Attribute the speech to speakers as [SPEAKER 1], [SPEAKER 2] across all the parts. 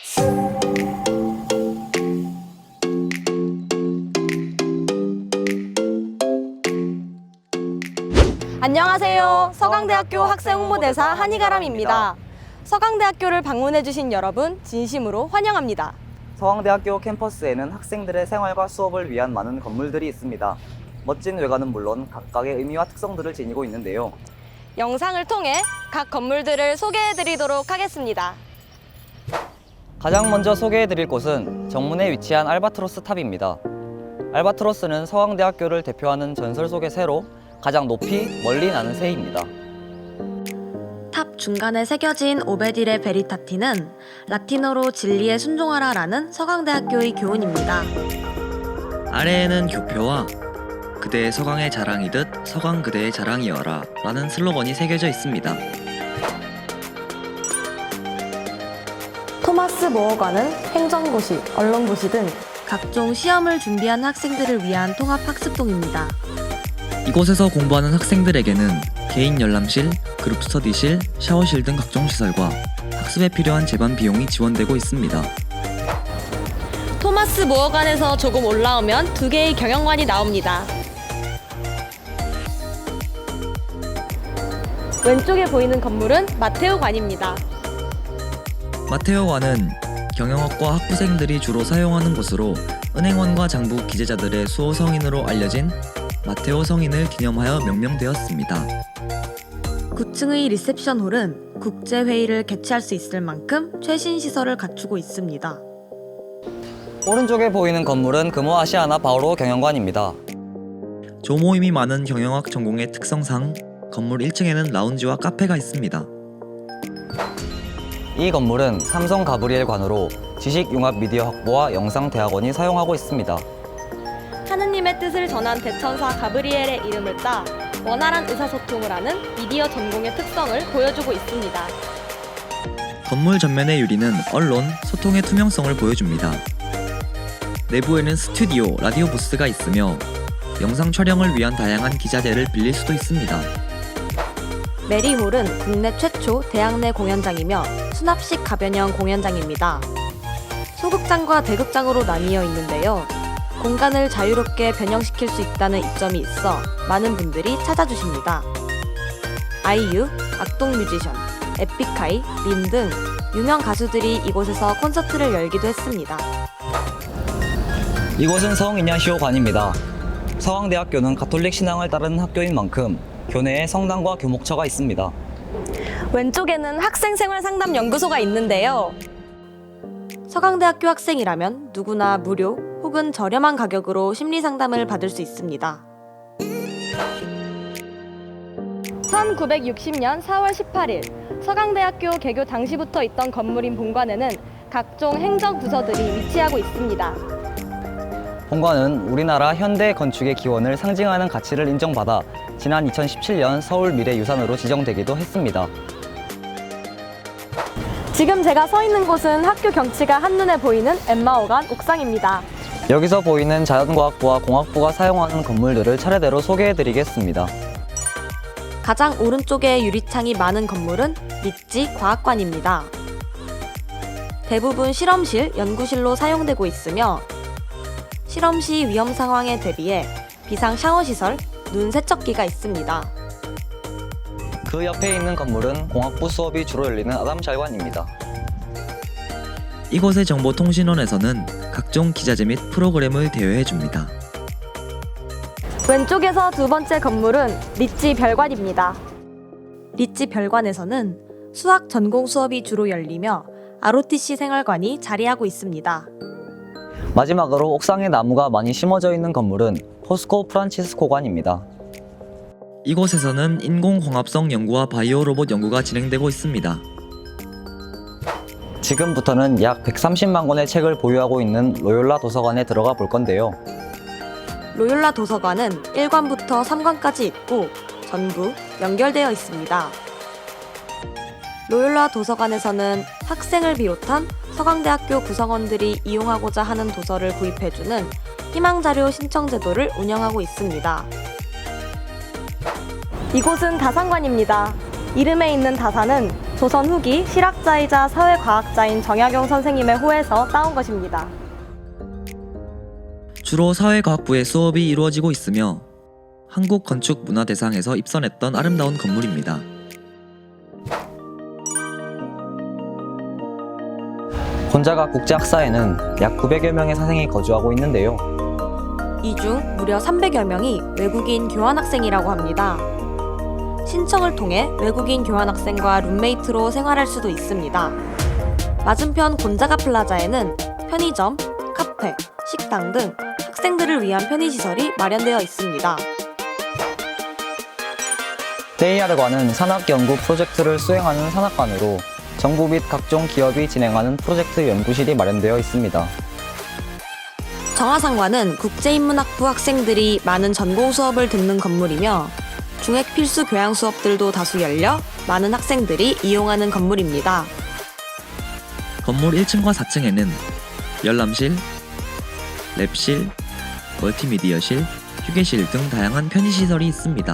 [SPEAKER 1] 안녕하세요. 서강대학교 학생홍보대사 한희가람입니다. 서강대학교를 방문해주신 여러분 진심으로 환영합니다.
[SPEAKER 2] 서강대학교 캠퍼스에는 학생들의 생활과 수업을 위한 많은 건물들이 있습니다. 멋진 외관은 물론 각각의 의미와 특성들을 지니고 있는데요.
[SPEAKER 1] 영상을 통해 각 건물들을 소개해드리도록 하겠습니다.
[SPEAKER 2] 가장 먼저 소개해드릴 곳은 정문에 위치한 알바트로스 탑입니다. 알바트로스는 서강대학교를 대표하는 전설 속의 새로 가장 높이 멀리 나는 새입니다.
[SPEAKER 1] 탑 중간에 새겨진 오베딜의 베리타티는 라틴어로 진리에 순종하라 라는 서강대학교의 교훈입니다.
[SPEAKER 3] 아래에는 교표와 그대의 서강의 자랑이듯 서강 그대의 자랑이여라 라는 슬로건이 새겨져 있습니다.
[SPEAKER 1] 토마스 모어관은 행정고시, 언론고시 등 각종 시험을 준비한 학생들을 위한 통합학습동입니다.
[SPEAKER 3] 이곳에서 공부하는 학생들에게는 개인 열람실, 그룹 스터디실, 샤워실 등 각종 시설과 학습에 필요한 제반 비용이 지원되고 있습니다.
[SPEAKER 1] 토마스 모어관에서 조금 올라오면 두 개의 경영관이 나옵니다. 왼쪽에 보이는 건물은 마테오관입니다.
[SPEAKER 3] 마테오관은 경영학과 학부생들이 주로 사용하는 곳으로 은행원과 장부 기재자들의 수호 성인으로 알려진 마테오 성인을 기념하여 명명되었습니다.
[SPEAKER 1] 9층의 리셉션홀은 국제회의를 개최할 수 있을 만큼 최신 시설을 갖추고 있습니다.
[SPEAKER 2] 오른쪽에 보이는 건물은 금호 아시아나 바오로 경영관입니다.
[SPEAKER 3] 조모임이 많은 경영학 전공의 특성상 건물 1층에는 라운지와 카페가 있습니다.
[SPEAKER 2] 이 건물은 삼성 가브리엘 관으로 지식융합 미디어 학부와 영상대학원이 사용하고 있습니다.
[SPEAKER 1] 하느님의 뜻을 전한 대천사 가브리엘의 이름을 따 원활한 의사소통을 하는 미디어 전공의 특성을 보여주고 있습니다.
[SPEAKER 3] 건물 전면의 유리는 언론, 소통의 투명성을 보여줍니다. 내부에는 스튜디오, 라디오 부스가 있으며 영상 촬영을 위한 다양한 기자재를 빌릴 수도 있습니다.
[SPEAKER 1] 메리홀은 국내 최초 대학 내 공연장이며 수납식 가변형 공연장입니다. 소극장과 대극장으로 나뉘어 있는데요. 공간을 자유롭게 변형시킬 수 있다는 이점이 있어 많은 분들이 찾아주십니다. 아이유, 악동 뮤지션, 에픽하이, 린 등 유명 가수들이 이곳에서 콘서트를 열기도 했습니다.
[SPEAKER 2] 이곳은 성이냐시오관입니다. 서강대학교는 가톨릭 신앙을 따르는 학교인 만큼 교내에 성당과 교목처가 있습니다.
[SPEAKER 1] 왼쪽에는 학생생활상담연구소가 있는데요. 서강대학교 학생이라면 누구나 무료 혹은 저렴한 가격으로 심리상담을 받을 수 있습니다. 1960년 4월 18일 서강대학교 개교 당시부터 있던 건물인 본관에는 각종 행정부서들이 위치하고 있습니다.
[SPEAKER 2] 본관은 우리나라 현대 건축의 기원을 상징하는 가치를 인정받아 지난 2017년 서울미래유산으로 지정되기도 했습니다.
[SPEAKER 1] 지금 제가 서 있는 곳은 학교 경치가 한눈에 보이는 엠마오관 옥상입니다.
[SPEAKER 2] 여기서 보이는 자연과학부와 공학부가 사용하는 건물들을 차례대로 소개해드리겠습니다.
[SPEAKER 1] 가장 오른쪽에 유리창이 많은 건물은 리찌 과학관입니다. 대부분 실험실, 연구실로 사용되고 있으며 실험 시 위험 상황에 대비해 비상 샤워시설, 눈 세척기가 있습니다.
[SPEAKER 2] 그 옆에 있는 건물은 공학부 수업이 주로 열리는 아담잘관입니다.
[SPEAKER 3] 이곳의 정보통신원에서는 각종 기자재 및 프로그램을 대여해줍니다.
[SPEAKER 1] 왼쪽에서 두 번째 건물은 리찌 별관입니다. 리찌 별관에서는 수학 전공 수업이 주로 열리며 ROTC 생활관이 자리하고 있습니다.
[SPEAKER 2] 마지막으로 옥상에 나무가 많이 심어져 있는 건물은 포스코 프란치스코관입니다.
[SPEAKER 3] 이곳에서는 인공광합성 연구와 바이오 로봇 연구가 진행되고 있습니다.
[SPEAKER 2] 지금부터는 약 130만 권의 책을 보유하고 있는 로욜라 도서관에 들어가 볼 건데요.
[SPEAKER 1] 로욜라 도서관은 1관부터 3관까지 있고 전부 연결되어 있습니다. 로욜라 도서관에서는 학생을 비롯한 서강대학교 구성원들이 이용하고자 하는 도서를 구입해주는 희망자료 신청 제도를 운영하고 있습니다. 이곳은 다산관입니다. 이름에 있는 다산은 조선 후기 실학자이자 사회과학자인 정약용 선생님의 호에서 따온 것입니다.
[SPEAKER 3] 주로 사회과학부의 수업이 이루어지고 있으며 한국건축문화대상에서 입선했던 아름다운 건물입니다.
[SPEAKER 2] 곤자가 국제학사에는 약 900여 명의 사생이 거주하고 있는데요.
[SPEAKER 1] 이 중 무려 300여 명이 외국인 교환학생이라고 합니다. 신청을 통해 외국인 교환학생과 룸메이트로 생활할 수도 있습니다. 맞은편 곤자가 플라자에는 편의점, 카페, 식당 등 학생들을 위한 편의시설이 마련되어 있습니다.
[SPEAKER 2] JR관은 산학연구 프로젝트를 수행하는 산학관으로 정부 및 각종 기업이 진행하는 프로젝트 연구실이 마련되어 있습니다.
[SPEAKER 1] 정화상관은 국제인문학부 학생들이 많은 전공 수업을 듣는 건물이며 중액 필수 교양 수업들도 다수 열려 많은 학생들이 이용하는 건물입니다.
[SPEAKER 3] 건물 1층과 4층에는 열람실, 랩실, 멀티미디어실, 휴게실 등 다양한 편의시설이 있습니다.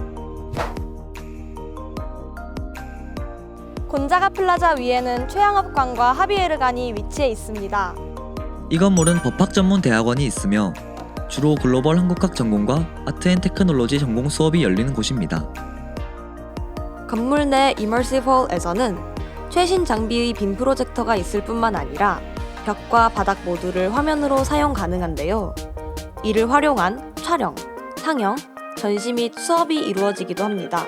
[SPEAKER 1] 곤자가 플라자 위에는 최양업관과 하비에르관이 위치해 있습니다.
[SPEAKER 3] 이 건물은 법학 전문 대학원이 있으며 주로 글로벌 한국학 전공과 아트 앤 테크놀로지 전공 수업이 열리는 곳입니다.
[SPEAKER 1] 건물 내 이머시브 홀에서는 최신 장비의 빔 프로젝터가 있을 뿐만 아니라 벽과 바닥 모두를 화면으로 사용 가능한데요. 이를 활용한 촬영, 상영, 전시 및 수업이 이루어지기도 합니다.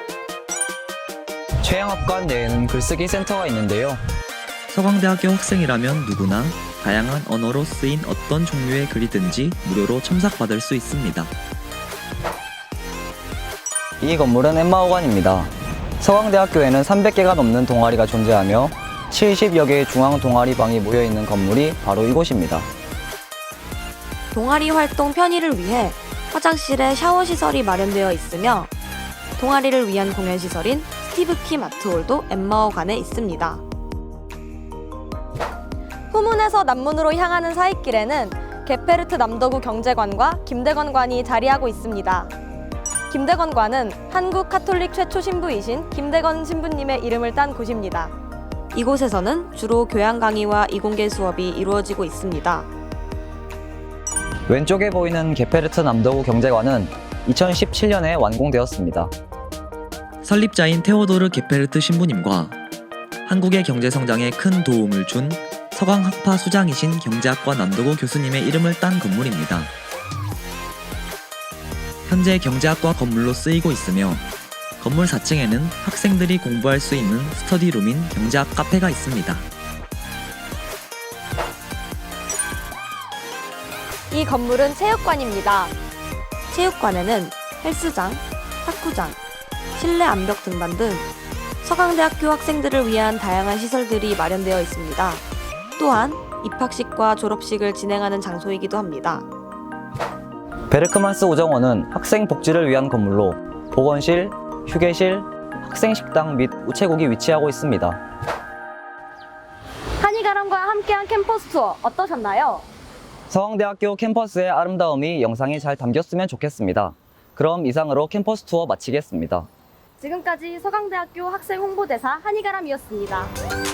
[SPEAKER 2] 최양업관 내에는 글쓰기 센터가 있는데요.
[SPEAKER 3] 서강대학교 학생이라면 누구나 다양한 언어로 쓰인 어떤 종류의 글이든지 무료로 첨삭받을 수 있습니다.
[SPEAKER 2] 이 건물은 엠마오관입니다. 서강대학교에는 300개가 넘는 동아리가 존재하며 70여 개의 중앙 동아리방이 모여있는 건물이 바로 이곳입니다.
[SPEAKER 1] 동아리 활동 편의를 위해 화장실에 샤워 시설이 마련되어 있으며 동아리를 위한 공연 시설인 스티브 킴 아트홀도 엠마오관에 있습니다. 후문에서 남문으로 향하는 사이길에는 게페르트 남도구 경제관과 김대건관이 자리하고 있습니다. 김대건관은 한국 카톨릭 최초 신부이신 김대건 신부님의 이름을 딴 곳입니다. 이곳에서는 주로 교양 강의와 이공계 수업이 이루어지고 있습니다.
[SPEAKER 2] 왼쪽에 보이는 게페르트 남도구 경제관은 2017년에 완공되었습니다.
[SPEAKER 3] 설립자인 테오도르 게페르트 신부님과 한국의 경제 성장에 큰 도움을 준 서강학파 수장이신 경제학과 남도구 교수님의 이름을 딴 건물입니다. 현재 경제학과 건물로 쓰이고 있으며 건물 4층에는 학생들이 공부할 수 있는 스터디룸인 경제학 카페가 있습니다.
[SPEAKER 1] 이 건물은 체육관입니다. 체육관에는 헬스장, 탁구장, 실내 암벽 등반 등 서강대학교 학생들을 위한 다양한 시설들이 마련되어 있습니다. 또한 입학식과 졸업식을 진행하는 장소이기도 합니다.
[SPEAKER 2] 베르크만스 우정원은 학생 복지를 위한 건물로 보건실, 휴게실, 학생식당 및 우체국이 위치하고 있습니다.
[SPEAKER 1] 한이가람과 함께한 캠퍼스 투어 어떠셨나요?
[SPEAKER 2] 서강대학교 캠퍼스의 아름다움이 영상에 잘 담겼으면 좋겠습니다. 그럼 이상으로 캠퍼스 투어 마치겠습니다.
[SPEAKER 1] 지금까지 서강대학교 학생 홍보대사 한이가람이었습니다.